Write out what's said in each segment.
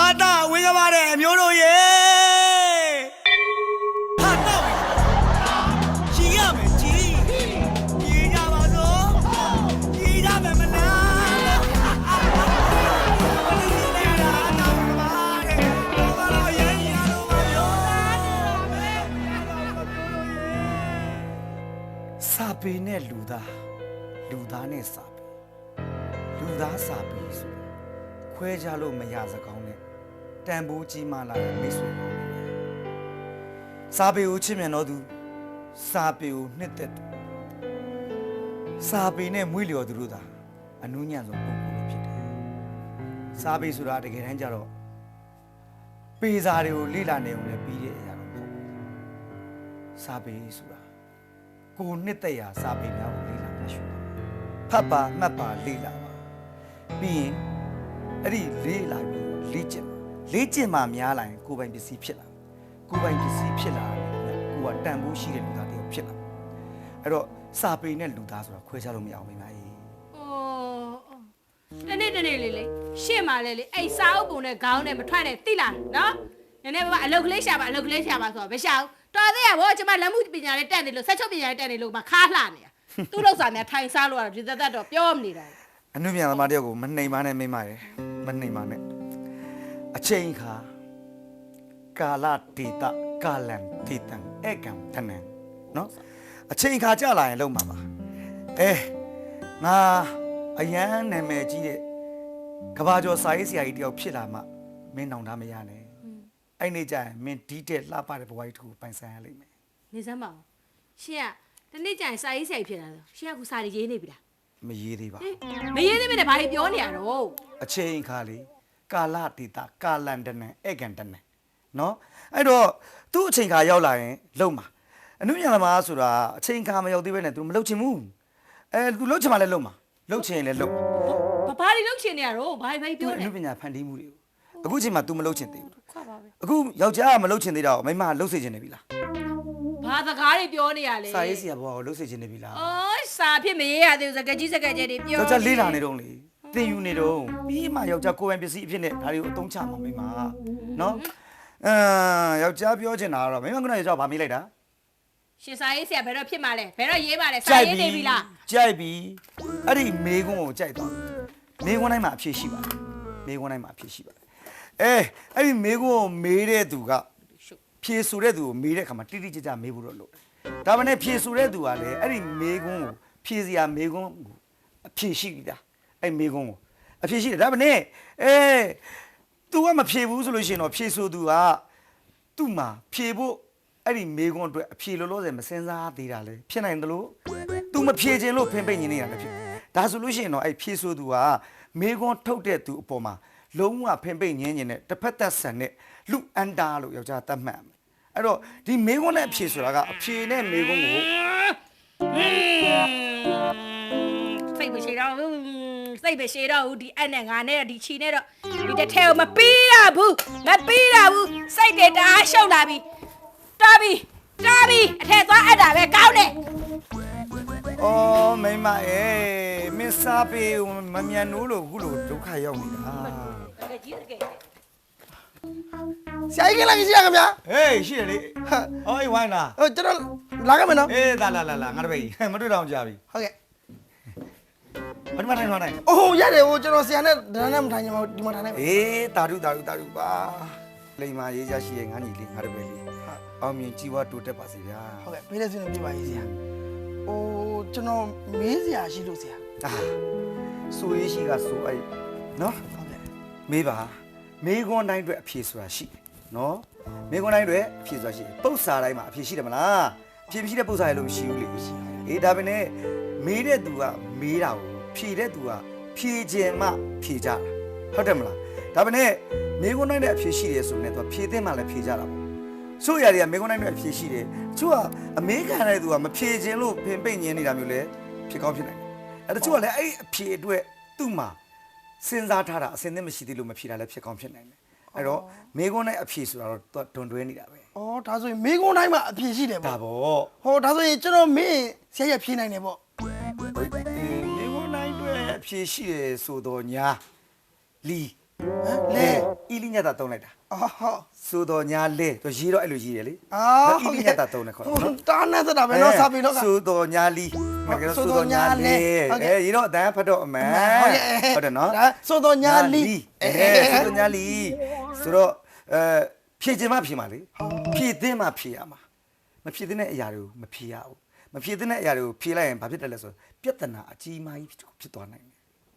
တာဝင်းကပါတယ်အမျိုးတို့ရေဟာတာဝင်းကြီးရမယ်ကြီးကြပါစို့ကြီးကြမယ်မလားစာပေနဲ့လူသားနဲ့စာပေလူသားစာပေဆိုခွဲခြားလို့မရစကောင်းနဲ့တန်ဖိုးကြီးမားလာတဲ့မိတ်ဆွေကောင်းတွေစာပေကိုချစ်မြတ်တော်သူစာပေကိုနှစ်သက်သူစာပေနဲ့မွေးလျော်သူတို့သာအနုညံ့ဆုံးပုဂ္ဂိုလ်တွေဖြစ်တယ်စာပေဆိုတာတကယ်တမ်းကျတော့ပေစာတွေကိုလေ့လာနေုံနဲ့ပြီးတဲ့အရာတော့မဟုတ်ဘူးစာပေဆိုတာကိုနှစ်သက်ရာစာပေများကိုလေ့လာမှရှိတယ်ဖတ်ပါမှတ်ပါလေ့လာပါပြီးရင်အဲ့ဒီလေ့လာပြီးလေ့ကျင့်မှများလာရင်ကိုယ်ပိုင်ပစ္စည်းဖြစ်လာကိုယ်ပိုင်ပစ္စည်းဖြစ်လာတယ်ကိုကတန်ဖိုးရှိတဲ့လူသားတယောက်ဖြစ်လာအဲ့တော့စာပေနဲ့လူသားဆိုတာခွဲခြားလို့မရအောင်မိမကြီးတနေ့လေးရှင့်ပါလေအဲ့စာအုပ်ပုံနဲ့ခေါင်းနဲ့မထွက်နဲ့တိလားနော်နည်းနည်းပါအလုပ်ကလေးရှာပါဆိုတော့မရှာဘူးတော်သေးရဗောကျမလက်မှုပညာလေးတက်နေလို့ဆက်ချုပ်ပညာလေးတက်နေလို့မခါလှနေတာသူ့လောက်စာများထိုင်စားလို့ရဒီသက်တော့ပြောမနေတာအနုမြန်သမားတယောက်ကိုမနှိမ်ပါနဲ့မိမရယ်မနှိမ်ပါနဲ့အချိန်ခါကာလဒေတာကာလံဒေတံဧကံတနံနော်အချိန်ခါကြာလာရင်လုံးပါပါငါအရန်နာမည်ကြီးတဲ့ကဘာကျော်စာရေးဆရာကြီးတယောက်ဖြစ်လာမှမင်းနောင်တမရနဲ့အဲ့နေကြရင်မင်းဒီတဲ့လှပတဲ့ဘဝကြီးတစ်ခုပိုင်ဆိုင်ရလိမ့်မယ်နေစမ်းပါဦးရှင်ကတနေ့ကျရင်စာရေးဆရာကြီးဖြစ်လာတော့ရှင်ကခုစာရေးနေပြီလားမရေးသေးပါမရေးသေးမနဲ့ဘာကြီးပြောနေရတော့အချိန်ခါလေးကာလဒေတာကာလန်တနံဧကံတနံနော်အဲ့တော့သူ့အချိန်ခါရောက်လာရင်လုံမှာအနုညာသမားဆိုတာအချိန်ခါမရောက်သေးပဲနဲ့ तू မလုံချင်ဘူးतू လုံချင်မှလည်းလုံမှာလုံချင်ရင်လည်းလုံဘာတွေလုံချင်နေရတော့ဘာပြောနေအနုပညာဖန်တီးမှုတွေကိုအခုချိန်မှာ तू မလုံချင်သေးဘူးအခုယောက်ျားကမလုံချင်သေးတော့မိန်းမကလုံစေချင်နေပြီလားဘာစကားတွေပြောနေရလဲစာရေးဆရာဘွားကိုလုံစေချင်နေပြီလားအော်စာဖြစ်မရေးရသေးဘူးစကားကြီးတွေပြောယောက်ျားလေးလာနေတော့လေသင်ယူနေတော့ပြီးမှယောက်ျားကိုယ်ပိုင်ပစ္စည်းအဖြစ်နဲ့ဒါတွေကိုအသုံးချမှာမိန်းမနော်ယောက်ျားပြောချင်တာကတော့မိန်းမကယောက်ျားဘာမေးလိုက်တာရှင်စာရေးဆရာဘယ်တော့ဖြစ်မှာလဲဘယ်တော့ရေးမှာလဲစာရေးနေပြီလားကြိုက်ပြီအဲ့ဒီမေးခွန်းကိုကြိုက်သွားမေးခွန်းတိုင်းမှာအဖြေရှိပါတယ်မေးခွန်းတိုင်းမှာအဖြေရှိပါတယ်အဲ့ဒီမေးခွန်းကိုမေးတဲ့သူကဖြေဆိုတဲ့သူကိုမေးတဲ့အခါမှာတိတိကျကျမေးဖို့တော့လိုတယ်ဒါပေမဲ့ဖြေဆိုတဲ့သူကလည်းအဲ့ဒီမေးခွန်းကိုဖြေစရာမေးခွန်းကိုအဖြေရှိပြီလားအဲ့မေးခွန်းကိုအဖြေရှိတယ်ဒါပေမဲ့तू ကမဖြေဘူးဆိုလို့ရှိရင်တော့ဖြေဆိုသူကသူ့မှာဖြေဖို့အဲ့ဒီမေးခွန်းအတွက်အဖြေလောလောဆယ်မစင်စားသေးတာလေဖြစ်နိုင်တယ်လို့ तू မဖြေခြင်းလို့ဖင်ပိတ်နေနေတာလည်းဖြစ်ဒါဆိုလို့ရှိရင်တော့အဲ့ဖြေဆိုသူကမေးခွန်းထုတ်တဲ့သူအပေါ်မှာလုံးဝဖင်ပိတ်ငင်းနေတဲ့တစ်ဖက်သက်ဆန်တဲ့လူအန်တာလို့ယောက်ျားသတ်မှတ်အဲ့တော့ဒီမေးခွန်းနဲ့အဖြေဆိုတာကအဖြေနဲ့မေးခွန်းကိုစိတ်မရှိတော့ဒီအနဲ့ငါနဲ့ဒီချီနဲ့တော့ဒီတစ်ထဲကိုမပြီးရဘူးစိတ်တွေတအားရှုပ်လာပြီတားပြီအထက်သွားအပ်တာပဲကောင်းတယ်အော်မိမမင်းစားပေမမြန်နိုးလို့ခုလိုဒုက္ခရောက်နေတာတကယ်ကြီးတကယ်ဆရာကြီးကလာကြီးရခင်ဗျာဟေးရှိတယ်လေဟောဝိုင်းလားကျွန်တော်လာခဲ့မယ်နော်လာငါတပည့်မတွေ့တော့ကြာပြီဟုတ်ကဲ့ဘာမှထိုင်အိုးရတယ်ကျွန်တော်ဆရာနဲ့ဒါနဲ့မထိုင်ချင်ပါဘူးဒီမှာထိုင်နေတာဓုပါလိမ္မာရေးချရှိရဲ့ငါညီလေးငါတပည့်လေးအောင်မြင်ကြီးဝါတိုးတက်ပါစေဗျာဟုတ်ကဲ့ပေးလက်စင်းပြပါရေးဆရာကျွန်တော်မေးစရာရှိလို့ဆရာဆိုရေးရှိကဆိုအဲ့နော်ဟုတ်ကဲ့မေးပါမေးခွန်းတိုင်းအတွက်အဖြေဆိုတာရှိတယ်နော်မေးခွန်းတိုင်းအတွက်အဖြေဆိုတာရှိတယ်ပု္ပ္ပစာတိုင်းမှာအဖြေရှိတယ်မလားအဖြေမရှိတဲ့ပု္ပ္ပစာရလို့မရှိဘူးလေဒါပဲနဲ့မေးတဲ့သူကမေးတာကိုဖြေတဲ့သူကဖြေခြင်းမှဖြေကြတာဟုတ်တယ်မလားဒါပဲနဲ့မေးခွန်းတိုင်းနဲ့အဖြေရှိတယ်ဆိုရင်တော့ဖြေတဲ့မှလည်းဖြေကြတာပေါ့ဆိုရတွေကမေးခွန်းတိုင်းနဲ့အဖြေရှိတယ်သူကအမေခံတဲ့သူကမဖြေခြင်းလို့ပင်ပိတ်ညင်းနေတာမျိုးလဲဖြစ်ကောင်းဖြစ်နိုင်တယ်တချို့ကလည်းအဲ့အဖြေအတွက်သူ့မှာစဉ်းစားထားတာအစင်းသင့်မရှိသေးလို့မဖြေတာလည်းဖြစ်ကောင်းဖြစ်နိုင်တယ်အဲ့တော့မေခွန်းနဲ့အဖြေဆိုတာတော့တွန်တွဲနေတာပဲဒါဆိုရင်မေခွန်းတိုင်းမှာအဖြေရှိတယ်ပေါ့ဒါပေါ့ဒါဆိုရင်ကျွန်တော်မေးဆရာရဖြေနိုင်တယ်ပေါ့မေခွန်းတိုင်းအတွက်အဖြေရှိတယ်ဆိုတော့ညာလီလေအီလီညက်တာတုံးလိုက်တာအော်ဟုတ်ဆိုတော့ညာလေသူရေးတော့အဲ့လိုရေးတယ်လေအော်အီလီညက်တာတုံးတယ်ခေါ်နော်တားနဲ့စတာပဲနော်စာပေတော့ကဆိုတော့ညာလီမကဲဆိုတော့ညာလေရေးတော့အတန်းဖတ်တော့အမှန်ဟုတ်တယ်နော်ဒါဆိုတော့ညာလီဆိုတော့ညာလီဆိုတော့ဖြည့်ခြင်းမဖြည့်မှာလေဖြည့်သိမ်းမှဖြည့်ရမှာမဖြည့်တဲ့အရာတွေကိုမဖြည့်ရဘူးမဖြည့်တဲ့အရာတွေကိုဖြည့်လိုက်ရင်ဘာဖြစ်တယ်လဲဆိုပြဿနာအကြီးမားကြီးဖြစ်သွားနိုင်တယ်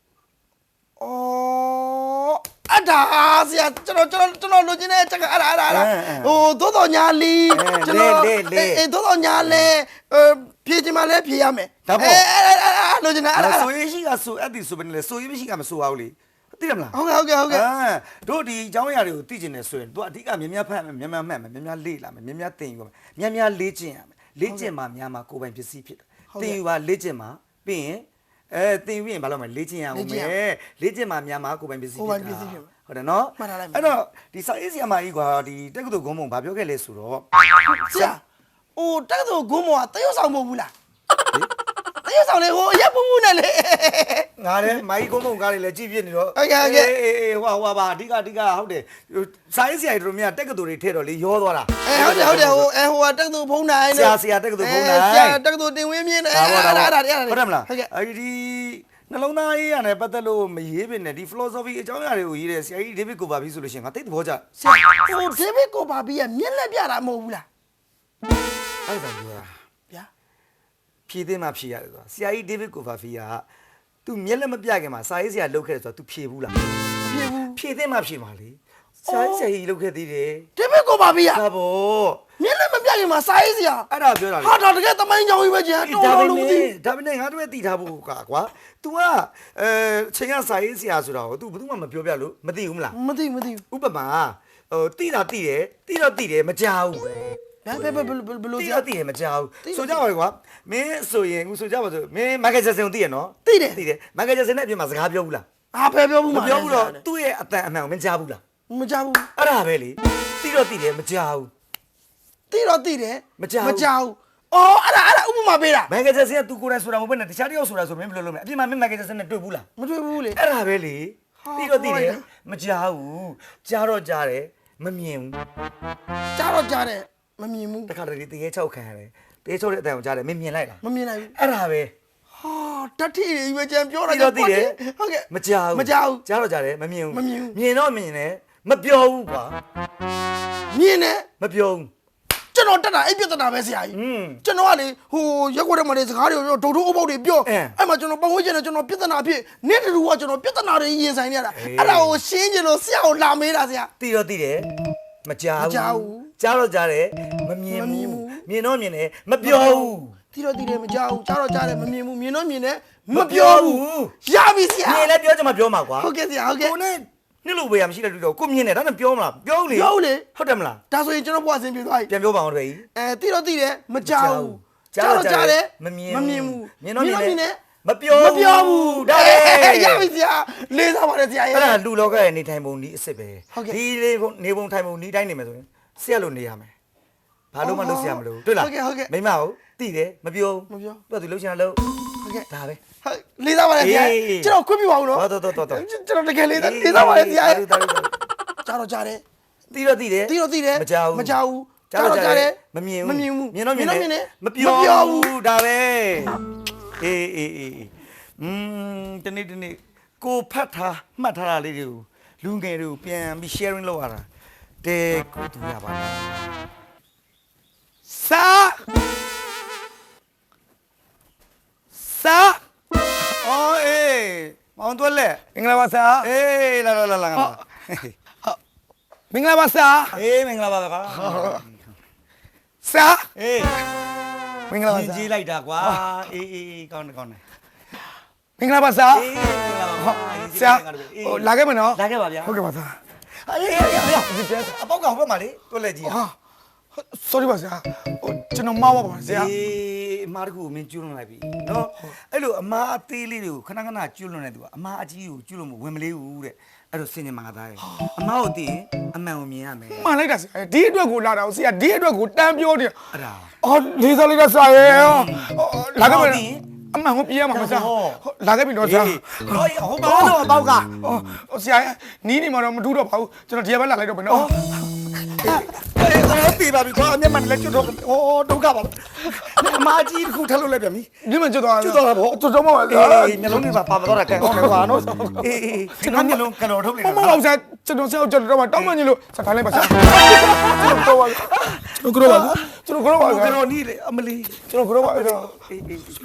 အော်အတားဆရာကျွန်တော်လိုချင်တဲ့ချက်ကအဲ့ဒါဟိုသို့တော်ညာလီကျွန်တော်အေးသို့တော်ညာလေဖြည့်ချင်မှလည်းဖြည့်ရမယ်လိုချင်တာအဲ့ဒါဆိုရရှိကဆိုအဲ့ဒီဆိုပဲလေဆိုရမရှိကမဆိုအောင်လေသိတယ်မလားဟုတ်ကဲ့တို့ဒီအကြောင်းအရာတွေကိုသိကျင်နေဆိုရင်တို့အဓိကမြများဖတ်မယ်များမှတ်မယ်များလေ့လာမယ်များသင်ယူမယ်များလေ့ကျင့်ရမယ်လေ့ကျင့်မှများမှာကိုယ်ပိုင်ပစ္စည်းဖြစ်တယ်သင်ယူပါလေ့ကျင့်မှပြီးရင်သင်ယူရင်ဘာလို့မလဲလေ့ကျင့်ရအောင်မယ်လေ့ကျင့်မှများမှာကိုယ်ပိုင်ပစ္စည်းဖြစ်တာဟုတ်တယ်နော်အဲ့တော့ဒီစာရေးဆရာမကြီးကဒီတက္ကသိုလ်ဂုံးမုံဘာပြောခဲ့လဲဆိုတော့ဆရာဟိုတက္ကသိုလ်ဂုံးမောကတရုတ်ဆောင်မဟုတ်ဘူးလားတရုတ်ဆောင်လေဟိုအရက်ပူပူနဲ့လေငါလည်းမိုင်းကုန်းကုန်းကားတွေလည်းကြည့်ပြနေတော့အေးဟွာပါအဓိကဟုတ်တယ်စာရေးဆရာတို့များတက္ကသိုလ်တွေထဲတော့လေရောသွားတာဟုတ်တယ်ဟိုတက္ကသိုလ်ဖုံးနိုင်ဆရာတက္ကသိုလ်ဖုံးနိုင်ဆရာတက္ကသိုလ်တင်ဝင်းမြင့်နဲ့ဟုတ်တယ်မလားဟုတ်ကဲ့အဲ့ဒီနှလုံးသားရေးရတယ်ပတ်သက်လို့မရေးပင်နဲ့ဒီ philosophy အကြောင်းအရာတွေကိုရေးတယ်ဆရာကြီး David Copperfield ဆိုလို့ရှိရင်ငါသိတဲ့ဘောကြဆရာဟို David Copperfield ကမျက်လက်ပြတာမဟုတ်ဘူးလားအဲ့ဒါပြောတာဗျာဖြည့်သိမှဖြည့်ရတယ်ဆိုတာဆရာကြီး David Copperfield ကသူမျက်လက်မပြခင်မှာစာရေးဆရာလုပ်ခဲ့တယ်ဆိုတာ तू ဖြည့်ဘူးလား ဖြည့်သိမှဖြည့်မှာလေဆရာကြီးလုပ်ခဲ့သေးတယ် David Copperfield ဒါပေါ့မျက်လက်မပြခင်မှာစာရေးဆရာအဲ့ဒါပြောတာလေဟာတော့တကယ်သမိုင်းကြောင်ကြီးပဲကျန်တော်လို့မသိဒါပေမဲ့ငါတို့ပဲတည်ထားဖို့ကွာ तू ကချိန်ကစာရေးဆရာဆိုတာကို तू ဘယ်သူမှမပြောပြလို့မသိဘူးမလားမသိဥပမာတိတာတိတယ်တိတော့တိတယ်မကြောက်ဘူးဒါဘယ်လိုတိဆရာတော့တိတယ်မကြောက်ဘူးဆိုကြပါလေကွာမင်းဆိုရင်ဆိုကြပါဆိုမင်းမိုက်ကယ်ဂျက်ဆန်ကိုသိရနော်သိတယ်သိတယ်မိုက်ကယ်ဂျက်ဆန်နဲ့အပြင်မှာစကားပြောဘူးလားဟာဖယ်ပြောဘူးမပြောဘူးတော့သူ့ရဲ့အတန်အမှန်ကိုမကြားဘူးလားမကြောက်ဘူးအဲ့ဒါပဲလေတိတော့တိတယ်မကြောက်ဘူးသိတော့သိတယ်မကြောက်အော်အဲ့ဒါဥပမာပေးတာမိုက်ကယ်ဂျက်ဆန်ကသူကိုယ်တိုင်ဆိုတာမဟုတ်ဘဲနဲ့တခြားတစ်ယောက်ဆိုတာဆိုမင်းဘယ်လိုလုပ်မလဲအပြင်မှာမင်းမိုက်ကယ်ဂျက်ဆန်နဲ့တွေ့ဘူးလားမတွေ့ဘူးလေအဲ့ဒါပဲလေတိတော့တိတယ်မကြောက်ဘူးကြားတော့ကြားတယ်မမြင်ဘူးကြားတော့ကြားတယ်မမြင်ဘူးတခါတလေတရေချောက်ခံရတယ်တရေချောက်တဲ့အတန်ကိုကြားတယ်မင်းမြင်လိုက်လားမမြင်နိုင်ဘူးအဲ့ဒါပဲဟာတတိရွေးချမ်းပြောတာတိတော့တိတယ်ဟုတ်ကဲ့မကြောက်ဘူးမကြောက်ဘူးကြားတော့ကြားတယ်မမြင်ဘူးမမြင်ဘူးမြင်တော့မြင်တယ်မပြောဘူးကွာမြင်တယ်မပြောဘူးကျွန်တော်တက်တာအဲ့ပြဿနာပဲဆရာကြီးကျွန်တော်ကလေဟိုရက်ွက်ထဲမှာနေစကားတွေပြောဒုတ်ဒုတ်အုပ်ပေါက်တွေပြောအဲ့မှာကျွန်တော်ပတ်ဝန်းကျင်နဲ့ကျွန်တော်ပြဿနာဖြစ်နေ့တူကကျွန်တော်ပြဿနာတွေရင်ဆိုင်နေရတာအဲ့ဒါကိုရှင်းချင်လို့ဆရာကိုလာမေးတာဆရာတိတော့တိတယ်မကြောက်ဘူးကြားတော့ကြားတယ်မမြင်ဘူးမြင်တော့မြင်တယ်မပြောဘူးတီတော့တီတယ်မကြောက်ဘူးကြားတော့ကြားတယ်မမြင်ဘူးမြင်တော့မြင်တယ်မပြောဘူးရပြီဆရာမြင်လဲပြောချင်မှပြောမှာကွာဟုတ်ကဲ့ဆရာဟုတ်ကဲ့ကိုနဲ့နှစ်လို့ပဲရမရှိတဲ့လူတော့ကိုမြင်တယ်ဒါနဲ့ပြောမလားပြောလေပြောလေဟုတ်တယ်မလားဒါဆိုရင်ကျွန်တော်ဘွားဆင်းပြေသွားပြီပြန်ပြောပါအောင်တပည့်ကြီးတီတော့တီတယ်မကြောက်ဘူးကြားတော့ကြားတယ်မမြင်ဘူးမြင်တော့မြင်တယ်တယ်မပြောဘူးဒါပဲရပြီဆရာလေးစားပါတယ်ဆရာရဲ့အဲ့ဒါလူလောကရဲ့နေထိုင်ပုံဒီအစ်စ်ပဲဟုတ်ကဲ့ဒီနေပုံထိုင်ပုံဒီတိုင်းနေမယ်ဆိုရင်ဆရာလို့နေရမယ်ဘာလို့မှလုပ်ဆရာမလို့တွေ့လားဟုတ်ကဲ့မိမဟုတ်တိတယ်မပြောမပြောသူကသူလှုပ်ချင်တာလှုပ်ဟုတ်ကဲ့ဒါပဲဟုတ်လေးစားပါတယ်ဆရာကျွန်တော်ခွင့်ပြုပါဦးနော်တော်တော်ကျွန်တော်တကယ်လေးစားပါတယ်ဆရာရဲ့ကြားတော့ကြားတယ်တိတော့တိတယ်တီတော့တီတယ်မကြောက်မကြောက်ဘူးကြားတော့ကြားတယ်မမြင်မမြင်ဘူးမြင်တော့မြင်တယ်မမပြောပြောဘူးဘူးဒါပဲအေးတနေ့ကိုဖတ်ထားမှတ်ထားတာလေးတွေကိုလူငယ်တွေကိုပြန်ပြီး sharing လုပ်ရတာတဲကိုတူရပါလားစာအော်အေးမောင်တွက်လက်မင်္ဂလာပါဆရာအေးလာငါပါမင်္ဂလာပါဆရာအေးမင်္ဂလာပါကွာဆရာအေးမင်္ဂလာပါကြီးဆကြီးရာလိုက်တာကွာအေးကောင်းတယ်မင်္ဂလာပါဆရာအေးမင်္ဂလာပါဆရာဟိုလာခဲ့မယ်နော်လာခဲ့ပါဗျာဟုတ်ကဲ့ပါဆရာအေးအပေါက်ကဟိုဘက်မှာလေတွက်လက်ကြီးဟာ sorry ပါဆရာဟိုကျွန်တော်မှားပါပါဆရာအေးအမားတခုကိုမင်းကျွလွန်လိုက်ပြီနော်အဲ့လိုအမားအသေးလေးတွေကိုခဏကျွလွန်နေသူကအမားအကြီးကိုကျွလွန်မဝင်မလေးဘူးတဲ့အဲ့လိုစင်ញမှာသားရဲ့အမားကိုသိရင်အမှန်ကိုမြင်ရမယ်မှားလိုက်တာဆရာဒီအတွက်ကိုလာတာဆရာဒီအတွက်ကိုတန်းပြောတယ်အဲ့ဒါအော်လေးစားလိုက်တာဆရာရဲ့လာခဲ့မယ်သိရင်အမှန်ကိုပြေးရမှာမစားလာခဲ့ပြီတော့စားဟိုဘာလို့အပေါက်ကဆရာနီးနေမှာတော့မထူးတော့ပါဘူးကျွန်တော်ဒီဘက်လာလိုက်တော့မယ်နော်ပြေးပါပြီကွာမျက်မှန်လည်းကျွတ်တော့ဒုက္ခပါအမကြီးတစ်ခုထပ်လို့လိုက်ပြန်ပြီဒီမှာကျွတ်သွားကျွတ်တော့ပါဗောကျွတ်တော့မှာအေးမျက်လုံးတွေပါပါတော့တာကန်အောင်လေကွာနော်အေးကျွန်တော်မျက်လုံးကလော်ထုတ်လိုက်မမအောင်စားကျွန်တော်ဆက်ကျွန်တော်တော့တောင်းမှညလို့ဆက်ထားလိုက်ပါစားကျွန်တော်တော့ကျွန်တော်ကတော့ပါကျွန်တော်နီးလေအမလီကျွန်တော်ကတော့ပါကျွန်တော်အေးအဲ့ဒီ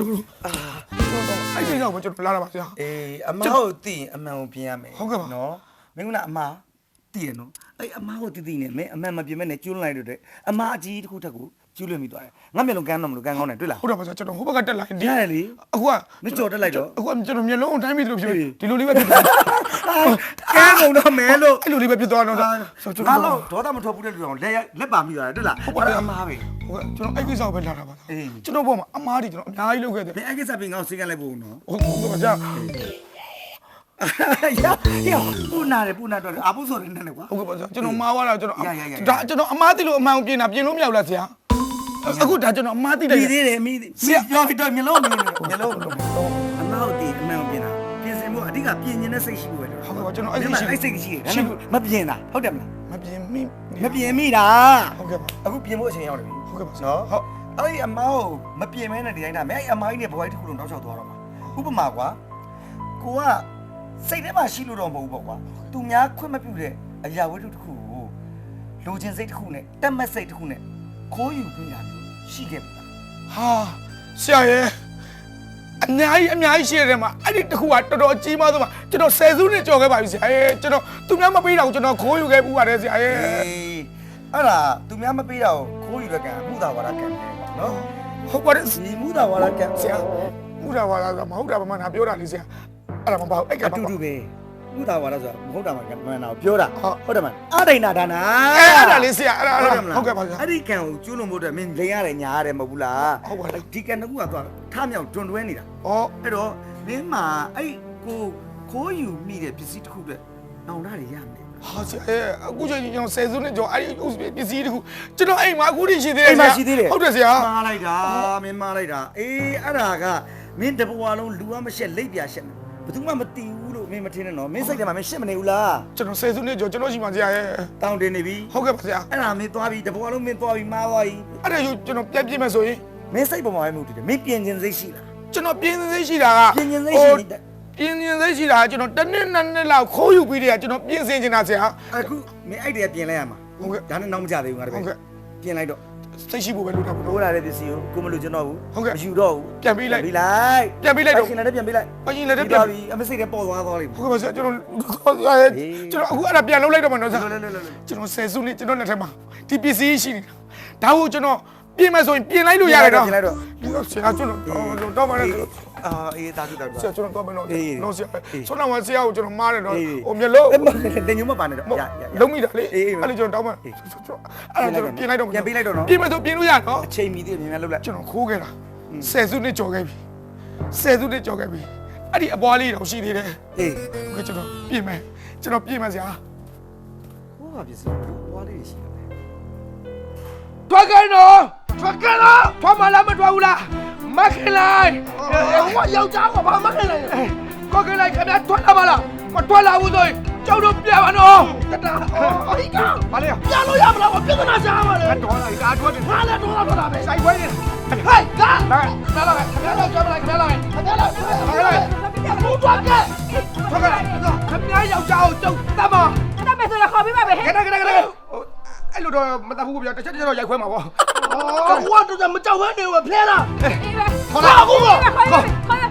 တော့ကျွန်တော်လာတာပါဆရာအေးအမဟုတ်သိရင်အမှန်ကိုပြင်ရမယ်ဟုတ်ကဲ့ပါနော်မင်းကအမသိရနော်အဲ့အမကိုတိတိနဲ့မင်းအမှန်မပြင်မဲ့နဲ့ကျွလွန်လိုက်တော့တဲ့အမအကြီးတစ်ခုထက်ကိုကျွလွန်မိသွားတယ်ငါမျက်လုံးကန်းတော့မလို့ကန်းကောင်းတယ်တွေ့လားဟုတ်တယ်ပါဆရာကျွန်တော်ဟိုဘက်ကတက်လိုက်ရတယ်လေအခုကမကြော်တက်လိုက်တော့အခုကျွန်တော်မျက်လုံးအတိုင်းပြီးလို့ဖြစ်ဒီလိုလေးပဲဖြစ်သွားကန်းကုန်တော့မဲလို့အဲ့လိုလေးပဲဖြစ်သွားတော့ငါတော့ဒေါသမထွက်ဘူးတဲ့လူအောင်လက်ပါမိသွားတယ်တွေ့လားဟုတ်တယ်အမပဲဟုတ်ကဲ့ကျွန်တော်အဲ့ကိစ္စကိုပဲလာတာပါကျွန်တော်ဘောမှာအမားကြီးကျွန်တော်အများကြီးလုပ်ခဲ့တယ်မင်းအဲ့ကိစ္စပြင်ငါ့ကိုစိတ်ကလိုက်ဖို့နော်ဟုတ်ကဲ့ပါဆရာရပူနာတယ်ပူနာတော့အပုဆိုရနေတယ်ကွာဟုတ်ကဲ့ပါဆရာကျွန်တော်မှားသွားတာကျွန်တော်ဒါကျွန်တော်အမားသိလို့အမှန်ကိုပြင်တာပြင်လို့မရဘူးလားဆရာအခုဒါကျွန်တော်အမားသိတယ်မိသေးတယ်မိပြောပြီးတော့မျက်လုံးမြင်နေမျက်လုံးအမဟုတ်တယ်အမှန်ကိုပြင်တာပြင်စင်ဖို့အဓိကပြင်ကျင်တဲ့စိတ်ရှိဖို့ပဲလို့ဟုတ်ကဲ့ပါကျွန်တော်အဲ့ဒီရှိအဲ့စိတ်ရှိတယ်မပြင်တာဟုတ်တယ်မလားမပြင်မိမပြင်မိတာဟုတ်ကဲ့ပါအခုပြင်ဖို့အချိန်ရောက်နေပြီဟုတ်ကဲ့ပါနော်ဟုတ်အဲ့ဒီအမောင်မပြင်မဲနဲ့ဒီတိုင်းတာမဲအဲ့အမောင်ကြီးနဲ့ဘဝကြီးတစ်ခုလုံးတောက်လျှောက်သွားတော့မှာဥပမာကွာကိုကစိတ်ထဲမှာရှိလို့တော့မဟုတ်ဘူးပေါ့ကွာသူများခွင့်မပြုတဲ့အရာဝတ္ထုတစ်ခုကိုလိုချင်စိတ်တစ်ခုနဲ့တက်မက်စိတ်တစ်ခုနဲ့ခိုးယူပြီးတာရှိခဲ့ပြီဟာဆရာရဲ့အများကြီးရှိတဲ့မှာအဲ့ဒီတခုကတော်တော်ကြီးမားဆုံးမှာကျွန်တော်10စုနှစ်ကြော်ခဲ့ပါပြီဆရာရဲ့ကျွန်တော်သူများမပေးတာကိုကျွန်တော်ခိုးယူခဲ့ပူပါတယ်ဆရာရဲ့အဲ့ဒါသူများမပေးတာကိုခိုးယူရကံမှုသာဝါဒကံပဲပေါ့နော်ဟုတ်ပါတယ်ဒီမှုသာဝါဒကံဆရာမူတာပါလားမဟုတ်တာမှငါပြောတာလေဆရာအဲ့ဒါမပေါ့အဲ့ကအပါတူတူပဲမှုသာဝါဒဆိုတာမဟုတ်တာမှမှန်တာကိုပြောတာဟုတ်ဟုတ်တယ်မလားအဒိဏဒါနာအဲ့ဒါလေးဆရာအဲ့ဒါဟုတ်ကဲ့ပါဆရာအဲ့ဒီကံကိုကျွလွန်ဖို့အတွက်မင်းလိန်ရတယ်ညာရတယ်မဟုတ်ဘူးလားဟုတ်ပါတယ်ဒီကံတစ်ခုကသွားထမြောက်တွန်တွဲနေတာဩအဲ့တော့မင်းမှာအဲ့ကိုခိုးယူမိတဲ့ပစ္စည်းတစ်ခုအတွက်နောင်တတွေရမယ်ဟာဆရာရဲ့အခုချိန်ကျွန်တော်10စုနှစ်ကြော်အဲ့ဒီပစ္စည်းတခုကျွန်တော်အိမ်မှာအခုထိရှိသေးတယ်အိမ်မှာရှိသေးတယ်ဟုတ်တယ်ဆရာမှားလိုက်တာမင်းမှားလိုက်တာအေးအဲ့ဒါကမင်းတဘွားလုံးလူကမရှက်လိပ်ပြရှက်မယ်ဘယ်သူမှမတီးဘူးလို့မင်းမထင်နဲ့နော်မင်းစိတ်ထဲမှာမင်းရှက်မနေဘူးလားကျွန်တော်10စုနှစ်ကြော်ကျွန်တော်ရှိမှဆရာရဲ့တောင်းတင်နေပြီဟုတ်ကဲ့ပါဆရာအဲ့ဒါမင်းသွားပြီတဘွားလုံးမင်းသွားပြီမှားသွားပြီအဲ့ဒါကျွန်တော်ပြည့်မယ်ဆိုရင်မင်းစိတ်ပေါ်မှာပဲမဟုတ်တယ်မင်းပြင်ကျင်စိတ်ရှိလားကျွန်တော်ပြင်းစိတ်ရှိတာကပြင်ကျင်စိတ်ရှိနေတယ်ပြင်းစိတ်ရှိတာကျွန်တော်တစ်နှစ်နှစ်လောက်ခိုးယူပြီးတည်းကကျွန်တော်ပြင်ဆင်နေတာဆရာအခုမင်းအဲ့တည်းကပြင်လိုက်ရမှာဟုတ်ကဲ့ဒါနဲ့နောက်မကြသေးဘူးငါတပည့်ဟုတ်ကဲ့ပြင်လိုက်တော့စိတ်ရှိဖို့ပဲလုပ်တာပေါ့ထိုးလာတဲ့ပစ္စည်းကိုကိုမလို့ကျွန်တော်ဘူးဟုတ်ကဲ့မယူတော့ဘူးပြန်ပေးလိုက်ပြီးလိုက်ပြန်ပေးလိုက်တော့ရှင်လည်းပြန်ပေးလိုက်ပရင်လည်းပြီးပြန်သွားပြီအမစိတ်လည်းပေါ်သွားသွားလိမ့်မယ်ဟုတ်ကဲ့ပါဆရာကျွန်တော်အခုအဲ့ဒါပြန်လုပ်လိုက်တော့မှနော်ဆရာလောလောလောကျွန်တော်10စုနှစ်ကျွန်တော်လက်ထက်မှာဒီပစ္စည်းရှိနေတာဒါကိုကျွန်တော်ပြင်မယ်ဆိုရင်ပြင်လိုက်လို့ရတယ်နော်ပြင်လိုက်တော့ဆရာကျွန်တော်တော့မှလည်းအာအေးတာတူတာတူဆရာကျွန်တော်တော့မယ်နော်အေးနော်ဆရာအေးဆွမ်းတော်မှာဆရာကိုကျွန်တော်မားတယ်နော်အေးဟိုမျက်လုံးအဲ့မတင်ညမပါနဲ့တော့ရရလုံးမိတာလေအေးအဲ့လိုကျွန်တော်တောင်းမှအဲ့ဒါကျွန်တော်ပြင်လိုက်တော့ပြန်ပေးလိုက်တော့နော်ပြင်မယ်ဆိုပြင်လို့ရနော်အချိန်မီသေးတယ်မြန်မြန်လုပ်လိုက်ကျွန်တော်ခိုးခဲ့တာ10စုနှစ်ကြော်ခဲ့ပြီ10စုနှစ်ကြော်ခဲ့ပြီအဲ့ဒီအပွားလေးတော့ရှိသေးတယ်အေးဟုတ်ကဲ့ကျွန်တော်ပြင်မယ်ကျွန်တော်ပြင်မယ်ဆရာဟိုကပစ္စည်းဘွားလေးရှိတယ်ထွက်ခဲ့နော်ထွက်ခဲ့နော်ထွက်မလားမထွက်ဘူးလားမခင်လိုက်ဟိုကယောက်ျားကဘာမှမခင်လိုက်ဘူးကိုခင်လိုက်ခင်ဗျာထွက်လာပါလားမထွက်လာဘူးဆိုရင်ကျောင်းတို့ပြန်ပါနော်တတာအဟိကဘာလဲပြန်လို့ရမလားပြဿနာရှာမှာလေတော်လာကားထွက်တယ်ဟာလည်းတော့တော့တာပဲဆိုင်ခွဲနေဟဲ့ကခင်ဗျားလာခင်ဗျားလာကြောက်လိုက်ခင်ဗျားလာခင်ဗျားလာခင်ဗျားလာဘူးတော့ကဲထွက်ခဲ့ခင်ဗျာယောက်ျားကိုကျုပ်တတ်မှာတတ်မယ်ဆိုတော့ခေါ်ပြီးပါပဲဟဲ့ခဏအဲ့လိုတော့မတတ်ဘူးဗျာတစ်ချက်တစ်ချက်တော့ရိုက်ခွဲမှာပေါ့ဟိုကတော့မကြောက်ဘဲနေဘူးဖလဲလားအေးပဲခေါ်လာအခုကခေါ်လိုက်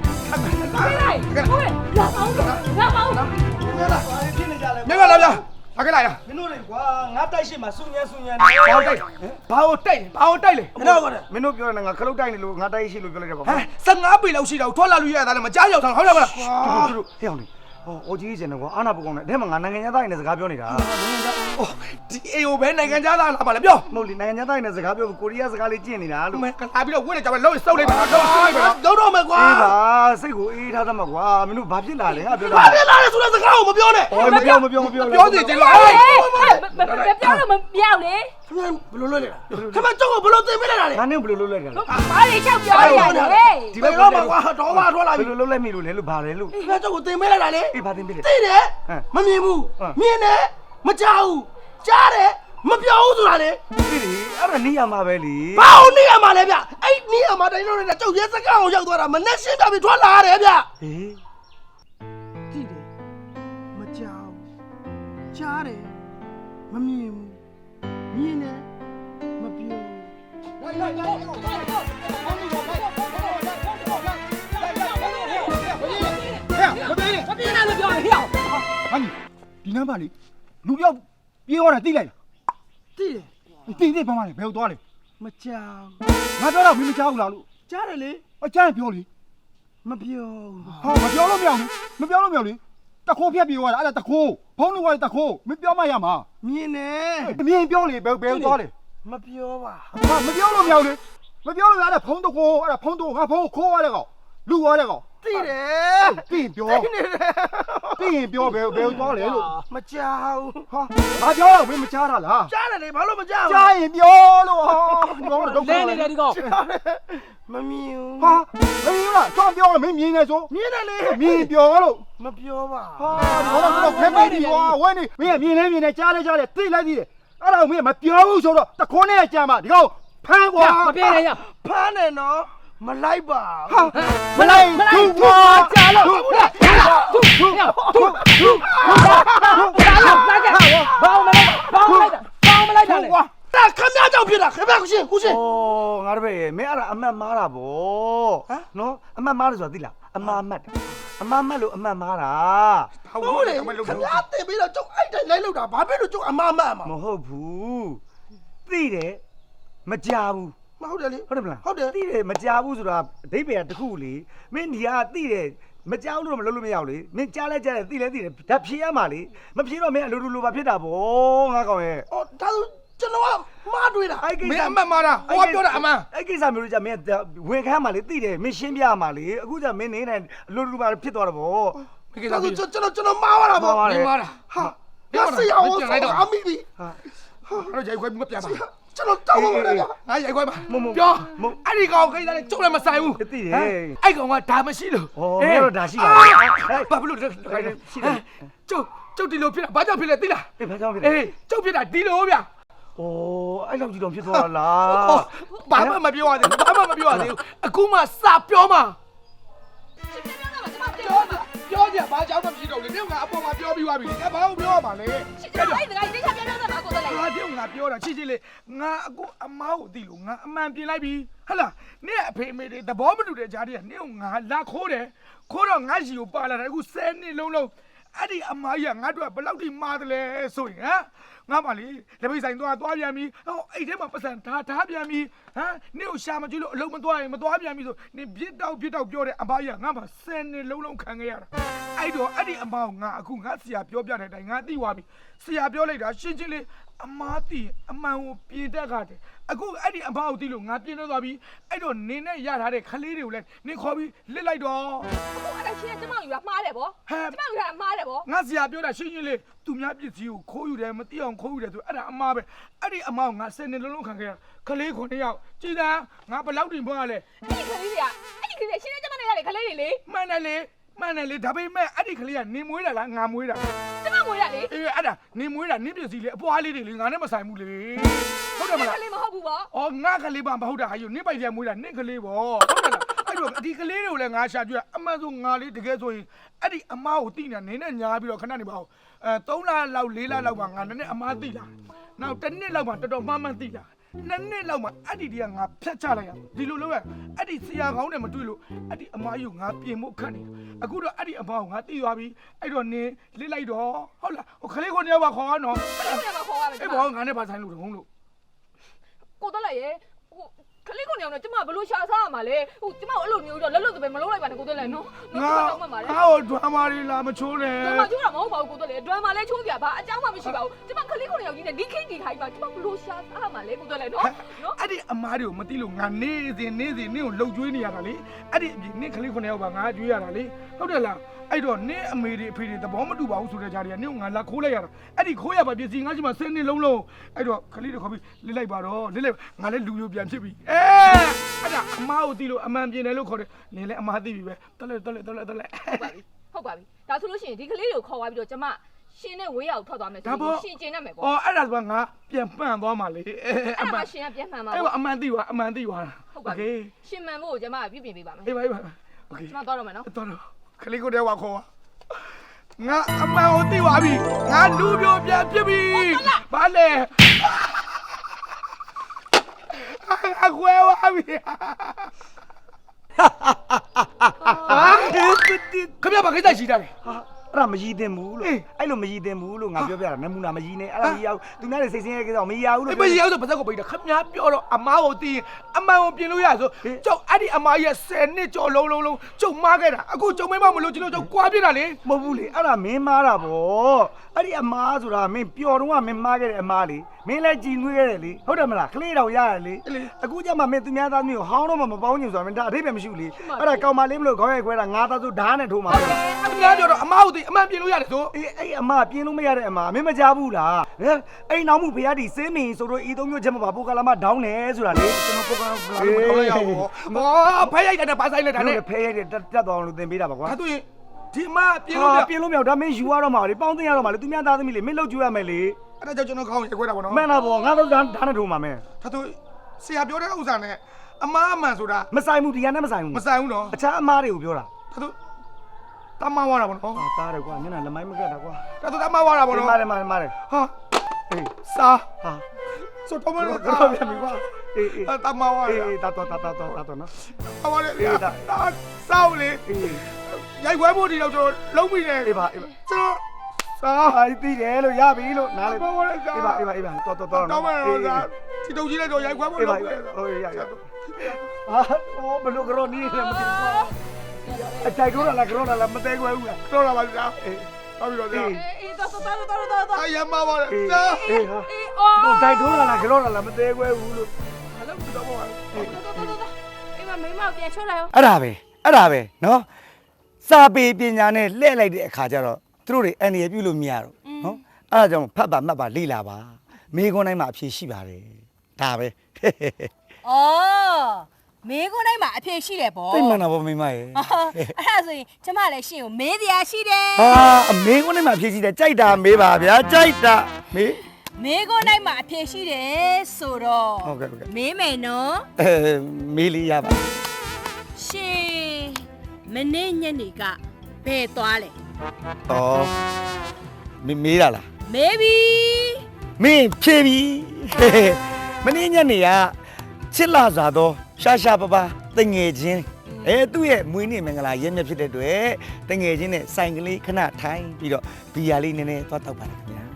ဟုတ်ရဲ့လာအောင်လာအောင်ခင်ဗျားလာဖြစ်နေကြလဲမြင်ပါလားဗျာလာခဲ့လိုက်ရမင်းတို့လေကွာငါတိုက်ရှိမှာစုညံနေဘာတိုက်ဘာတိုက်လေမင်းတို့ကလည်းမင်းတို့ပြောနေတာငါခလုတ်တိုက်နေလို့ငါတိုက်ရှိလို့ပြောလိုက်တာပါဟမ်15ပေလောက်ရှိတာကိုထွက်လာလို့ရတာလည်းမကြားရောက်တာဟုတ်တယ်မလားတူတူဟဲ့အောင်လေဟောအိုကြီးကျင်တယ်ကွာအာနာပကောင်နဲ့အဲမှာငါနိုင်ငံသားရင်းနဲ့စကားပြောနေတာဒီအေကိုပဲနိုင်ငံခြားသားလာပါလေပြောမဟုတ်လေနိုင်ငံသားရင်းနဲ့စကားပြောကိုရီးယားစကားလေးကျင့်နေတာလို့မင်းကလာပြီးတော့ဝင့်နေကြပဲလုံးစုပ်လိုက်ပါတော့စုပ်လိုက်ပါတော့တော့မယ်ကွာအေးပါစိတ်ကိုအေးထားသမှာကွာမင်းတို့ဘာဖြစ်လာလဲငါပြောတာဘာဖြစ်လာလဲဆိုတဲ့စကားကိုမပြောနဲ့ဟောမပြောပြောစီချင်လို့ပြောလို့မမြောက်လေခင်ဗျာဘယ်လိုလုပ်လဲခင်ဗျာကြောက်ကိုဘယ်လိုတင်ပေးလိုက်တာလဲငါနဲ့ဘယ်လိုလုပ်လိုက်တာလဲဘာတွေချက်ပြောရလဲဒီဘက်တော့ကွာတော့မထွက်လာဘပြီယ်လိုလုပ်လိုက်မိလို့လဲလို့ဘာလဲလို့ခင်ဗျာကြောက်ကိုတင်ပေးလိုက်တာလေအေးဘာတင်ပြလဲသိတယ်မမြင်ဘူးမြင်တယ်မကြောက်ဘူးကြားတယ်မပြောဘူးဆိုတာလေဒီလေအဲ့ဒါနေရမှာပဲလေဘာလို့နေရမှာလဲဗျအဲ့နေရမှာတိုင်းလို့လည်းကြောက်ရဲစကားကိုရောက်သွားတာမနဲ့ရှင်းပြပြီးထွက်လာရတယ်ဗျဟေးကြည့်တယ်မကြောက်ကြားတယ်မမြင်ဘူးမြင်တယ်မပြောဟာဒီနံပါတ်လေးလူပြောက်ပြေးသွားတာသိလိုက်လားသိတယ်သိဘာမှလဲဘယ်ကိုသွားလဲမကြောက်ငါပြောတော့မင်းမကြောက်ဘူးလားလို့ကြားတယ်လေအကျန်းပြောလေမပြောဟာမပြောလို့မရဘူးမပြောလို့မရဘူးလေတခိုးဖြတ်ပြေးသွားတာအဲ့ဒါတခိုးဖုံးလို့ကတခိုးမပြောမှရမှာမြင်တယ်မြင်ပြောလေဘယ်ကိုသွားလဲမပြောပါဟာမပြောလို့မရဘူးလေမပြောလို့ရတဲ့ဖုံးတခိုးအဲ့ဒါဖုံးတခိုးငါဖုံးခိုးရတဲ့ကောင်လူသွားတဲ့ကောင်သိတယ်သိရင်ပြောသိနေတယ်သိရင်ပြောဘယ်ကိုသွားလဲလို့မကြောက်ဟာငါပြောတော့မင်းမချားတာလားကြားတယ်လေဘာလို့မကြောက်ကြားရင်ပြောလို့ဟာပြောတော့ဒုက္ခလဲနေတယ်ဒီကောင်မမြင်ဘူးဟာမင်းကစောင့်ပြောလို့မင်းမြင်နေဆိုမြင်တယ်လေမြင်ပြောလို့မပြောပါဟာဒီကောင်ကတော့ဖဲဖဲဒီကွာဝင်းနေမင်းကမြင်လဲမြင်နေကြားလဲကြားလဲသိလိုက်သေးတယ်အဲ့ဒါကိုမင်းကမပြောဘူးဆိုတော့တခွန်းနဲ့ကြံပါဒီကောင်ဖမ်းကွာမပြေနဲ့ရဖမ်းတယ်နော်မလိုက်ပါဟာမလိုက်သူ့ကွာကြားလို့သူ့ဘာမလိုက်တာလဲကွာဒါခမည်းကြောင့်ဖြစ်တာခမည်းကိုရှင်းကိုရှင်းဩငါတပည့်မင်းအဲ့ဒါအမှတ်မားတာဗောနော်အမှတ်မားတယ်ဆိုတာသိလားအမှားမှတ်တယ်အမှားမှတ်လို့အမှတ်မားတာဟုတ်လေခမည်းတင်ပြီးတော့ကျုပ်အဲ့တိုင်းလိုက်လို့တာဘာဖြစ်လို့ကျုပ်အမမအမမဟုတ်ဘူးသိတယ်မကြဘူးမဟုတ်တယ်လေဟုတ်တယ်မလားဟုတ်တယ်သိတယ်မကြဘူးဆိုတာအဓိပ္ပာယ်ကတစ်ခုလေမင်းဒီကသိတယ်မကြောက်လို့မလုပ်လို့မရဘူးလေမင်းကြားလဲကြားတယ်သိလဲသိတယ်ဓာတ်ဖြေရမှာလေမဖြေတော့မင်းအလိုလိုပါဖြစ်တာဗောငါကောင်ရဲ့အော်ဒါဆိုကျွန်တော်ကမှားတွေးတာအဲ့ကိစ္စမင်းအမှတ်မှားတာဟိုကပြောတာအမှန်အဲ့ကိစ္စမျိုးလို့じゃမင်းဝင်ခမ်းမှာလေသိတယ်မင်းရှင်းပြရမှာလေအခုじゃမင်းနေနေအလိုလိုပါဖြစ်သွားတာဗောဒီကိစ္စဒါဆိုပြီးကျွန်တော်မှားသွားတာပေါ့မှားမင်းမှားတာဟာရစရာဟောအမိပြီအဲ့တော့ရိုက်ခွဲပြီးမပြန်ပါကျွန်တော်တောင်းပါမယ်ဗျာငါရိုက်ခွဲပါပြောအဲ့ဒီကောင်ကိစ္စနဲ့ကျုပ်လည်းမဆိုင်ဘူးသိတယ်အဲ့ကောင်ကဒါမရှိလို့ဩမင်းတို့ဒါရှိပါလားဘာဖြစ်လို့ရှိတယ်ကျုပ်ဒီလိုဖြစ်တာဘာကြောင့်ဖြစ်လဲသိလားအေးဘာကြောင့်ဖြစ်လဲအေးကျုပ်ဖြစ်တာဒီလိုဗျာဩအဲ့လောက်ကြီးတော့ဖြစ်သွားတာလားဘာမှမပြောရသေးဘူးဘာမှမပြောရသေးဘူးအခုမှစပြောမှာပြောကြဘာကြောင့်မဖြစ်တော့လဲငါအပေါ်မှာပြောပြီးသွားပြီငါဘာလို့ပြောရမှာလဲအဲ့ဒါကဒီချက်ပြောတာကိုတော့လိုက်ငါပြောငါပြောတာချစ်ချစ်လေးငါအခုအမားကိုသိလို့ငါအမှန်ပြင်လိုက်ပြီဟဟလားနင့်အဖေအမေတွေသဘောမတူတဲ့ကြားတွေကနင့်ကိုငါလာခိုးတယ်ခိုးတော့ငါရှိကိုပါလာတယ်အခု10နှစ်လုံးလုံးအဲ့ဒီအမားကြီးကငါတို့ကဘယ်လောက်ထိမားတယ်လဲဆိုရင်ဟမ်ငါမလေးလက်ပိတ်ဆိုင်သွားပြန်ပြီဟောအဲ့ထဲမှာပတ်စံထားပြန်ပြီဟမ်နင့်ကိုရှာမကြည့်လို့အလုံးမသွားရင်မသွားပြန်ပြီဆိုနင်ပြစ်တောက်ပြောတဲ့အမားကြီးကငါမှ10နှစ်လုံးလုံးခံခဲ့ရတာအဲ့တော့အဲ့ဒီအမားကိုငါအခုငါဆရာပြောပြတဲ့အတိုင်းငါသိသွားပြီဆရာပြောလိုက်တာရှင်းချင်းလေးအမားတီအမှန်ကိုပြင်တတ်ကြတယ်အခုအဲ့ဒီအမားကိုသိလို့ငါပြင်တော့သွားပြီအဲ့တော့နင်းနဲ့ရထားတဲ့ခလေးတွေကိုလည်းနင်းခေါ်ပြီးလစ်လိုက်တော့အခုအဲ့ဒါရှင်းကျမယူတာမှားတယ်ဗောကျမယူတာမှားတယ်ဗောငါဆရာပြောတာရှင်းရှင်းလေးသူများပစ္စည်းကိုခိုးယူတယ်မသိအောင်ခိုးယူတယ်ဆိုအဲ့ဒါအမားပဲအဲ့ဒီအမားကိုငါ10နှစ်လုံးလုံးခံခဲ့ရခလေး9ယောက်ကြည်သာငါဘယ်လောက်တင်ဖွင့်ရလဲအဲ့ဒီကလေးတွေကရှင်းကျမနဲ့ရတယ်ကလေးတွေလေမှန်တယ်လေဒါပေမဲ့အဲ့ဒီခလေးကနေမွေးတာလားငါမွေးတာကျမမွေးရလေအေးအဲ့ဒါနေမွေးတာနင်းပစ္စည်းလေအပွားလေးတွေလေငါနဲ့မဆိုင်ဘူးလေဟုတ်တယ်မလားကလေးမဟုတ်ဘူးဗောအော်ငါကလေးပါမဟုတ်တာဟာယူနင်းပိုက်ပြန်မွေးတာနင်းကလေးပေါ့ဟုတ်တယ်လားအဲ့တော့ဒီကလေးတွေကိုလည်းငါရှာကြည့်အမှန်ဆိုငါလေးတကယ်ဆိုရင်အဲ့ဒီအမားကိုတိနေနင်းနဲ့ညာပြီးတော့ခဏနေပါဦး3လလောက်4လလောက်မှငါနည်းနည်းအမားတိလာနောက်1နှစ်လောက်မှတော်တော်မှန်တိလာ2နှစ်လောက်မှအဲ့ဒီတည်းကငါဖြတ်ချလိုက်ရဒီလိုလုပ်ရအဲ့ဒီဆရာကောင်းနဲ့မတွေ့လို့အဲ့ဒီအမားကြီးကိုငါပြင်ဖို့ခတ်နေတာအခုတော့အဲ့ဒီအမားကိုငါတိသွားပြီအဲ့တော့နင်းလစ်လိုက်တော့ဟုတ်လားဟိုခလေးကိုနေပါခေါ်ရနော်ကလေးကခေါ်ရမယ်အေးဘောငါနဲ့ပါဆိုင်လို့တကုန်းလို့ကိုတော့လိုက်ရေဟိုခလေးကိုနေအောင်တော့ကျမဘလို့ရှာစားရမှာလဲဟိုကျမအဲ့လိုမျိုးတော့လက်လွတ်တပဲမလုံးလိုက်ပါနဲ့ကိုသွဲလဲနော်ငါဟိုဒွမ်းမာရီလာမချိုးနဲ့ဒွမ်းမာချိုးတာမဟုတ်ပါဘူးကိုသွဲလဲဒွမ်းမာလဲချိုးပြဘာအကြောင်းမှမရှိပါဘူးကျမခလေးကိုနေအောင်ကြီးနဲ့ဒီခိတ်ဒီထိုင်ပါကျမဘလို့ရှာစားရမှာလဲကိုသွဲလဲနော်အဲ့ဒီအမားတွေကိုမသိလို့ငါနေစဉ်နင့်ကိုလှုပ်ကျွေးနေရတာလေအဲ့ဒီအပြင်နင့်ကလေး9ယောက်ပါငါကျွေးရတာလေဟုတ်တယ်လားအဲ့တော့နင့်အမေတွေအဖေတွေသဘောမတူပါဘူးဆိုတဲ့ကြားတွေကနင့်ကိုငါလာခိုးလိုက်ရတာအဲ့ဒီခိုးရပါပစ္စည်းငါ့ရှိမှ10နှစ်လုံးအဲ့တော့ကလေးတွေခေါ်ပြီးလစ်လိုက်ပါတော့လစ်လိုက်ငါလည်းလူမျိုးပြန်ဖြစ်ပြီအဲ့ဒါအမားကိုသိလို့အမှန်ပြင်တယ်လို့ခေါ်တယ်နင်လည်းအမားသိပြီပဲတက်လက်ဟုတ်ပါပြီဒါဆိုလို့ရှိရင်ဒီကလေးကိုခေါ်သွားပြီးတော့ကျမရှင်နဲ့ဝေးရအောင်ထွက်သွားမယ်ဆိုရင်ရှင်ကျင်တတ်မယ်ပေါ့အော်အဲ့ဒါဆိုငါပြန်ပန့်သွားမှာလေအမှန်ရှင်ကပြန်မှန်ပါအဲ့အမှန်သိသွားဟုတ်ပါပြီရှင်မှန်ဖို့ကျမပြုပြင်ပေးပါမယ်အေးပါโอเคကျမသွားတော့မယ်နော်တော်ခလေးကိုတည်းဝါခေါ်ငါအမှန်ကိုသိသွားပြီငါလူမျိုးပြန်ဖြစ်ပြီဘာလဲအခွဲသွားပြီခမရပါခိစ္စရှိတာလေအဲ့ဒါမရည်တင်ဘူးလို့အဲ့လိုမရည်တင်ဘူးလို့ငါပြောပြတာနမူနာမရည်နဲ့အဲ့ဒါမရအောင်သူများတွေစိတ်ဆင်းရဲကြတော့မရဘူးလို့မရအောင်ဆိုပါစက်ကိုပိတ်တာခမရပြောတော့အမားကိုသိရင်အမှန်ကိုပြင်လို့ရဆိုကျုပ်အဲ့ဒီအမားရဲ့10နှစ်ကျော်လုံးကျုပ်မားခဲ့တာအခုကျုံမမလို့ကျွန်တော်ကျုပ်ကွာပြစ်တာလေမဟုတ်ဘူးလေအဲ့ဒါမင်းမားတာဗောအဲ့ဒီအမားဆိုတာမင်းပျော်တော့ကမင်းမားခဲ့တဲ့အမားလေမင်းလည်းကြည်နွေးခဲ့တယ်လေဟုတ်တယ်မလားကလေးတော်ရတယ်လေအခုကျမှမင်းသူများသားမျိုးဟောင်းတော့မှမပေါင်းညင်ဆိုတာမင်းဒါအထိပ္ပယ်မရှိဘူးလေအဲ့ဒါကောင်မလေးမလို့ခေါင်းရိုက်ခွဲတာငါသားစုဓာတ်နဲ့ထိုးမှာခင်ဗျားပြောတော့အမားကိုသိအမှန်ပြင်လို့ရတယ်ဆိုအေးအဲ့အမားပြင်လို့မရတဲ့အမားမင်းမကြဘူးလားအဲ့နောက်မှုဖရားတီစင်းမင်းဆိုတော့ဤသုံးမျိုးချက်မပါပိုကလာမဒေါင်းနေဆိုတာလေကျွန်တော်ပိုကလာမဒေါင်းလိုက်ရအောင်ဟောဖဲရိုက်တယ်ပါဆိုင်လိုက်တာနဲ့ဖဲရိုက်တယ်တက်သွားအောင်လို့သင်ပေးတာပါကွာဒါဆိုရင်ဒီအမားပြင်လို့မရဒါမင်းယူရတော့မှာလေပေါင်းသိရတော့မှာလေသူများသားသမီးလေမင်းလှုပ်ကြွရမယ်လေအဲ့ဒါကြောင့်ကျွန်တော်ခေါင်းရိုက်ခွဲတာပေါ့နော်မှန်တာပေါ့ငါတို့ဓာတ်နဲ့ထိုးမှာမင်းဒါဆိုဆရာပြောတဲ့ဥစ္စာနဲ့အမားအမှန်ဆိုတာမဆိုင်ဘူးဒီကနေ့မဆိုင်ဘူးနော်အခြားအမားတွေကိုပြောတာဒါဆိုတမဝါတာပေါ့နော်တားတယ်ကွာမျက်နှာလက်မိုင်းမကက်တာကွာဒါဆိုတမဝါတာပေါ့နော်မားတယ်ဟာအေးစာဟာဆိုတော့မလို့တော့ပြန်ပြီကွာအေးတမဝါအေးတာတော့နော်ဟောလေဒါစောက်လေရိုက်ခွဲဖို့ဒီတော့ကျွန်တော်လုံးပြီတယ်အေးပါကျွန်တော်စာဟိုင်းသိတယ်လို့ရပြီလို့နားလေအေးပါတော့တော့မယ်ဒီတုံကြီးလည်းတော့ရိုက်ခွဲဖို့လုပ်ပြီဟိုရဟာဟောဘလို့ကရောနီးလည်းမသိဘူးအတိုင်တော့လာကရောလာမသိခွဲဘူးလားတော့လာပါဗျာဟုတ်ပြီတော့ဗျာအေးတော့အယမပါလေစာအေးဟာတော့တိုင်တော့လာကရောလာမသိခွဲဘူးလို့ဘာလို့တော့ပါအေးမမိမပြန်ချောလိုက်ရောအဲ့ဒါပဲနော်စာပေပညာနဲ့လှည့်လိုက်တဲ့အခါကျတော့သူတို့တွေအန်ရပြုလို့မရတော့နော်အဲ့ဒါကြောင့်ဖတ်ပါမှတ်ပါလေ့လာပါမိခွန်းတိုင်းမှာအဖြေရှိပါတယ်ဒါပဲအော်မေးခွန်းတိုင်းမှာအဖြေရှိတယ်ဗောသိမှန်တာဗောမိမရေအဲ့ဒါဆိုရင်ကျမလည်းရှင်ကိုမေးတရားရှိတယ်အမေခွန်းတိုင်းမှာအဖြေရှိတယ်ကြိုက်တာမေးပါဗျာကြိုက်တာမေးခွန်းတိုင်းမှာအဖြေရှိတယ်ဆိုတော့ဟုတ်ကဲ့မေးမယ်နော်မေးလေးရပါရှင်မနေ့ညနေကဘယ်သွားလဲမေးတာလားမေးပြီမင်းဖြေပြီမနေ့ညနေကချစ်လာစားတော့ရှာပပတငယ်ချင်းသူ့ရဲ့မွေးနေ့မင်္ဂလာရက်မြဖြစ်တဲ့အတွက်တငယ်ချင်းနဲ့ဆိုင်ကလေးခဏထိုင်ပြီးတော့ဘီယာလေးနည်းနည်းသွားတောက်ပါလားခင်ဗျာ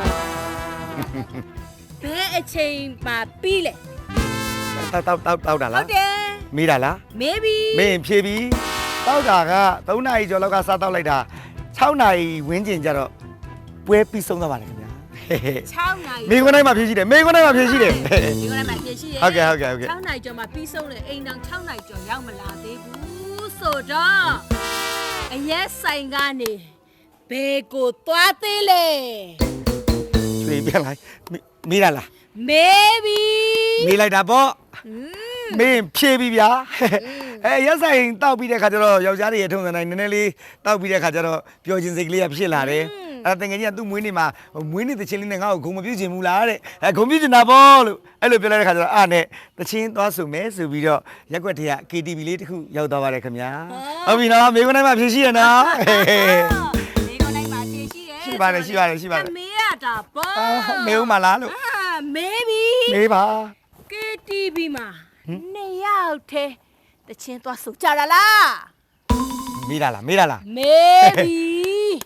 ဘယ်အချိန်မှပြီးလဲတောက်တာလားဟုတ်တယ်မေးတာလားမေးပြီမင်းဖြေပြီတောက်တာက3နာရီကျော်လောက်ကစားတောက်လိုက်တာ6နာရီဝန်းကျင်ကျတော့ပွဲပြီးဆုံးသွားပါတယ်ခင်ဗျာ 6နာရီမိခွန်းတိုင်းမှာဖြေရှိတယ်မိခွန်းတိုင်းမှာဖြေရှိတယ်ဟုတ်ကဲ့ 6နာရီကျော်မှာပြီးဆုံးတယ်အိမ်တောင်6နာရီကျော်ရောက်မလာသေးဘူးဆိုတော့အရက်ဆိုင်ကနေဘယ်ကိုသွားသေးလဲရွှေပြန်လိုက်မေးတာလားမေးပြီမေးလိုက်တာပေါ့မင်းဖြေပြီဗျာရက်ဆိုင်တောက်ပြီးတဲ့ခါကျတော့ယောက်ျားတွေရဲ့ထုံးစံတိုင်းနည်းနည်းလေးတောက်ပြီးတဲ့ခါကျတော့ပျော်ခြင်းစိတ်ကလေးကဖြစ်လာတယ်တကယ်ကြီးကသူ့မွေးနေ့မှာမွေးနေ့တချင်းလေးနဲ့ငါ့ကိုဂုံမပြုတ်ချင်ဘူးလားတဲ့ဂုံပြုတ်ချင်တာပေါ့လို့အဲ့လိုပြောလိုက်တဲ့ခါကျတော့နဲ့တချင်းသွားဆိုမယ်ဆိုပြီးတော့ရက်ွက်ထဲက KTV လေးတစ်ခုရောက်သွားပါတယ်ခင်ဗျာဟုတ်ပြီနော်မိခွန်းတိုင်းမှာဖြည့်ရှိရနော်မိခွန်းတိုင်းမှာဖြည့်ရှိရရှိပါတယ်မေးရတာပေါ့မေးဦးမလားလို့မေးပြီမေးပါ KTV မှာ2ယောက်ထဲတချင်းသွားဆိုကြတာလားမေးတာလားမေးပြီ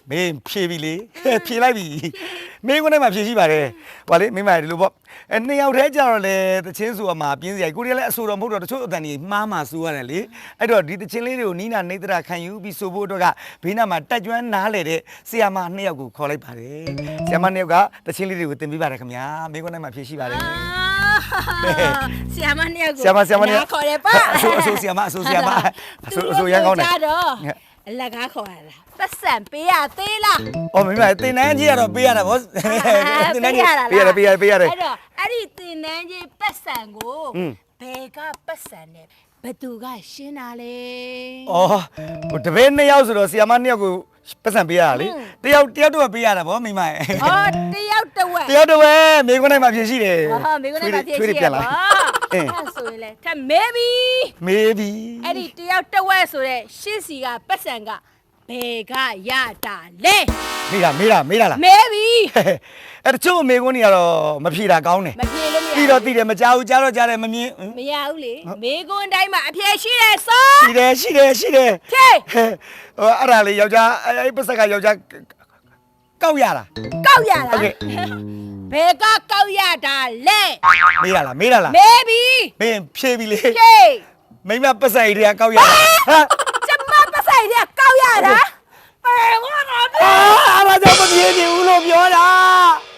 မင်းဖြေပြီလေဖြေလိုက်ပြီမင်းကိုယ်နဲ့မှဖြေရှိပါတယ်ဟောလေမိမဒီလိုပေါ့နှစ်ယောက်တည်းကြတော့လေတချင်းဆိုအမှာပြင်းစရာကိုရီးယားလည်းအဆိုတော်မဟုတ်တော့တချို့အတန်ကြီးမှားမှဆိုရတယ်လေအဲ့တော့ဒီတချင်းလေးတွေကိုနီးနာနေတရာခံယူပြီးဆိုဖို့အတွက်ကဘေးနားမှာတက်ကျွမ်းနားလေတဲ့ဆီယာမနှစ်ယောက်ကိုခေါ်လိုက်ပါတယ်ဆီယာမနှစ်ယောက်ကတချင်းလေးတွေကိုတင်ပြပါတယ်ခင်ဗျာမင်းကိုယ်နဲ့မှဖြေရှိပါတယ်ဆရာမနှစ်ယောက်ကိုဆရာမနှစ်ယောက်ခေါ်တယ်ပါအဆိုဆရာမအဆိုရန်ကောင်းတယ်အလကားခေါ်ရတာပတ်စံပေးရသေးလားအော်မိမတင်နန်းကြီးကတော့ပေးရတာဗောတင်နန်းကြီးပေးရတယ်အဲ့တော့အဲ့ဒီတင်နန်းကြီးပတ်စံကိုဘယ်ကပတ်စံနဲ့ဘသူကရှင်းတာလဲအော်ဟိုတပည့်နှစ်ယောက်ဆိုတော့ဆီယာမနှစ်ယောက်ကိုပတ်စံပေးရတာလေတယောက်တော့ပေးရတာဗောမိမရဲ့ဟောတယောက်တစ်ဝက်တယောက်တော့ပဲမိခွန်းနိုင်မှာဖြစ်ရှိတယ်ဟောမိကုန်းနဲ့ပါဖြစ်ရှိရပါအဲ့ဆိုရင်လေထမေးပြီမေးပြီအဲ့ဒီတယောက်တစ်ဝက်ဆိုတဲ့ရှစ်စီကပတ်စံကဘယ်ကရတာလဲမေးတာလားမေးပြီအဲ့တချို့မိခွန်းတွေကတော့မဖြေတာကောင်းတယ်မပြေလို့မရပြီးတော့သိတယ်မကြောက်ကြားတော့ကြားတယ်မမြင်မရဘူးလေမေးခွန်းတိုင်းမှာအဖြေရှိတယ်ဆိုရှိတယ်ဖြေဟိုအဲ့ဒါလေးယောက်ျားအဲ့ပတ်စက်ကယောက်ျားကောက်ရတာကောက်ရတာဟုတ်ကဲ့ဘယ်ကကောက်ရတာလဲမေးတာလားမေးပြီမေးပြီမင်းဖြေပြီလေဖြေမိမပတ်စက်တွေကကောက်ရတာဟာကျမပတ်ဆိုင်တဲ့ကောက်ရတာဘယ်ဝါတော့အားကြောင့်မပြေဘူးလို့ပြောတာ